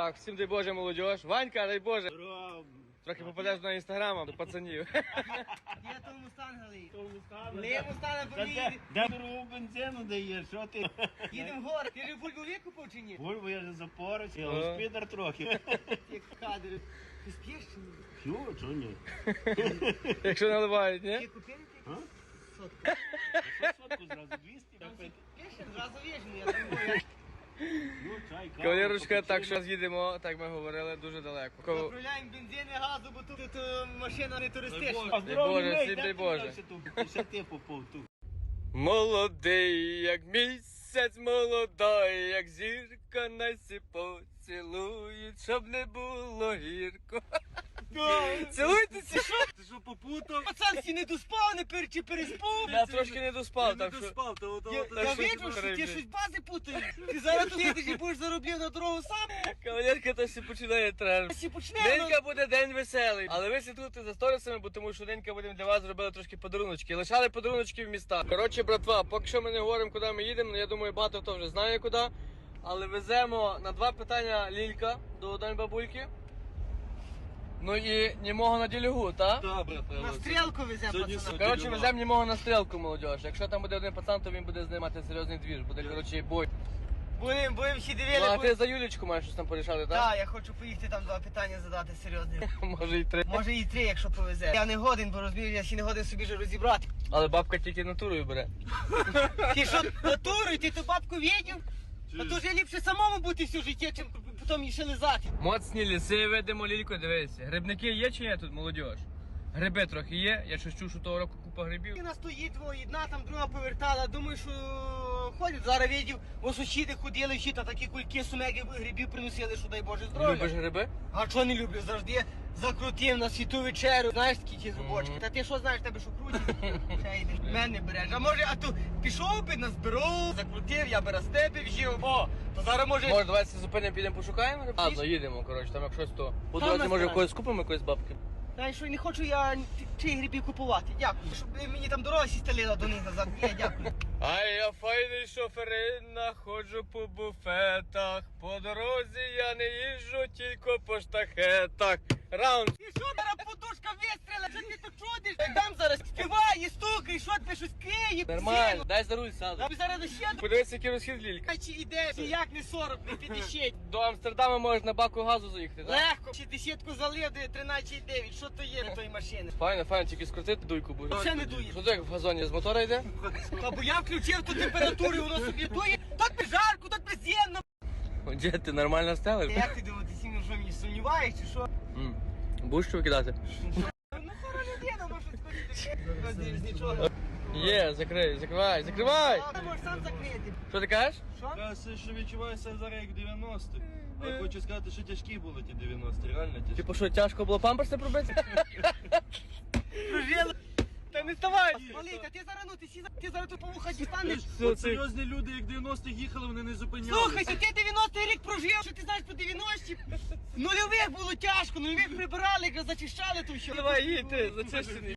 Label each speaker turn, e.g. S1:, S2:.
S1: Так, всім дай Боже, молодіж. Ванька, дай Боже.
S2: Здорово.
S1: Трохи попадеш на інстаграм до пацанів.
S3: Я тому мустанг. Не мустанг, бо ми
S2: Де дорогу бензину дає, що ти?
S3: їдемо в гори. Ти ж Вольву викупив чи ні?
S2: Бульбу я вже запоруч, я господар трохи.
S3: Як кадр. Ти спієш чи ні?
S2: П'ю, чого ні?
S1: Якщо наливають, ні?
S3: Ти купили ти?
S2: А?
S3: Сотку.
S2: Що сотку зразу? 200?
S3: Пішли, зразу віжну, я думаю.
S2: Ну, чай, каву.
S1: Кавалерочка, так що їдемо, так ми говорили, дуже далеко.
S3: Заправляємо бензин і газу, бо тут машина не туристична.
S2: А здоров'я
S1: Боже,
S2: мій,
S1: всім
S2: де
S1: дай
S2: ти
S1: Боже.
S2: взявся тут? Ще ти попав тут.
S1: Молодий, як місяць, молодий, як зірка, найсі поцілують, щоб не було гірко. Цілуйтеся, що?
S2: Ти що попутав?
S3: Пацан, всі не доспав, не чи переспав.
S1: Я трошки не доспав, так що...
S2: спав, то
S3: Я
S1: що
S3: видно,
S1: ти
S3: що ти
S1: перебіг?
S3: щось бази путаєш. Ти зараз тут їдеш і будеш заробляти на дорогу сам.
S1: Кавалерка, то всі починає треш.
S3: Всі почнемо.
S1: Денька буде день веселий, але ви слідкуйте за сторісами, бо тому що денька будемо для вас зробили трошки подаруночки. Лишали подаруночки в містах. Коротше, братва, поки що ми не говоримо, куди ми їдемо, я думаю, багато хто вже знає куди. Але веземо на 2 питання Лілька до Дань бабульки. Ну і німого на ділюгу, так?
S2: Так, брат.
S3: На стрілку веземо,
S2: Сьогодні
S3: пацана.
S1: Коротше, веземо німого на стрілку, молодіж. Якщо там буде один пацан, то він буде знімати серйозний двір. Буде, коротше, бой.
S3: Будемо всі
S1: Ну, а
S3: дивили.
S1: ти за Юлічку маєш щось там порішати, так?
S3: Так, я хочу поїхати там 2 питання задати серйозні.
S1: Може і 3.
S3: Може і 3, якщо повезе. Я не годен, бо розумію, я ще не годен собі вже розібрати.
S1: Але бабка тільки натурою бере.
S3: Ти що, натурою, ти ту бабку видів? А то вже ліпше самому бути все життя, чим потім їй ще лизати.
S1: Моцні ліси ведемо, Лілько, дивися. Грибники є чи ні тут, молодіж? Гриби трохи є, я щось чув, що того року купа грибів.
S3: Вона стоїть, одна там, друга повертала. Думаю, що ходять. Зараз видів, бо сусіди ходили, всі та такі кульки, сумеги грибів приносили, що дай Боже здоров'я.
S1: Любиш гриби?
S3: А чого не люблю? Завжди закрутив на світу вечерю. Знаєш такі ті зубочки. Та ти що знаєш, тебе що крутить? Ще йдеш, мене береш. А може, а то пішов би, назбирав, закрутив, я би раз тебе вжив. О, то зараз може...
S1: Може, давайте зупинимо, підемо пошукаємо грибів? Ладно, їдемо, коротше, там як щось то. По
S3: Там
S1: дорозі,
S3: на
S1: може,
S3: стороні.
S1: когось купимо, якоїсь бабки.
S3: Знаєш, що не хочу я чиї грибів купувати. Дякую. Щоб мені там дорога стелила до них назад. Ні, дякую.
S1: А я файний шоферина, ходжу по буфетах. По дорозі я не їжджу, тільки по штахетах. Раунд.
S3: І що зараз подушка вистріла? Що ти тут чудиш? Там зараз співає, стукає, що ти щось киє.
S1: Нормально, дай за руль сяду.
S3: Тобі зараз ще
S1: Подивися, який розхід Лілька.
S3: чи іде, чи як не 40, не 50.
S1: До Амстердама можеш на баку газу заїхати, так?
S3: Легко, 60-ку залив, 13,9. Що то є на тої машини?
S1: Файно, файно, тільки скрутити дуйку буде.
S3: Ще не дує.
S1: Що ти як в газоні з мотора йде?
S3: Та бо я включив ту температуру, воно собі дує. Тут би жарко, тут би зємно.
S1: Де ти нормально стелиш?
S3: Як ти думаєш, ти сильно що мені сумніваєш, чи що?
S1: Будеш що викидати?
S3: Ну, хора людина, може скоріше. Нічого.
S1: Є, закривай.
S3: А, ти можеш сам закрити.
S1: Що ти кажеш?
S3: Що?
S2: Кажеться, що відчуваюся зараз як 90-ті. Але хочу сказати, що тяжкі були ті 90-ті, реально тяжкі.
S1: Типу що, тяжко було памперси пробити?
S3: Прожили. Та не ставай! Малий, та ти зараз, ну, ти зараз тут по вуха дістанеш.
S2: От серйозні люди, як 90-х їхали, вони не зупинялися.
S3: Слухай, ти 90-й рік прожив, що ти знаєш по 90-ті? Нульових було тяжко, нульових прибирали, якраз зачищали то що.
S1: Давай, їдь ти, зачищений.